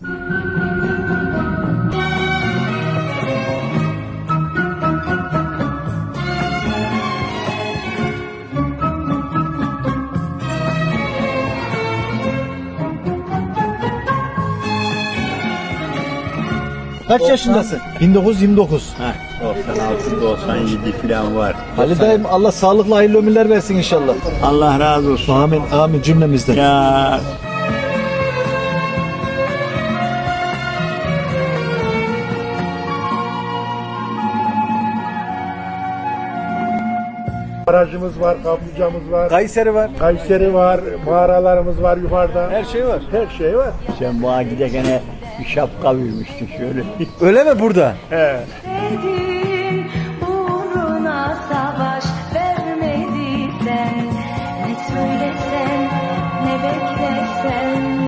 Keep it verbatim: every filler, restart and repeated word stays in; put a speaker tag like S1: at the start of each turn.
S1: Kaç yaşındasın? bin dokuz yüz yirmi dokuz.
S2: Heh, doksan altı doksan yedi falan var.
S1: Ali dayım Allah sağlıklı hayırlı ömürler versin inşallah.
S2: Allah razı olsun.
S1: Amin amin cümlemizden.
S2: Ya
S3: Barajımız var, kaplıcamız var,
S1: Kayseri var.
S3: Kayseri var, mağaralarımız var yukarıda.
S1: Her şey var.
S3: Her şey var.
S2: sen bana gidekene bir şapka vermiştin şöyle.
S1: Öyle mi burada?
S3: He.
S4: Dedi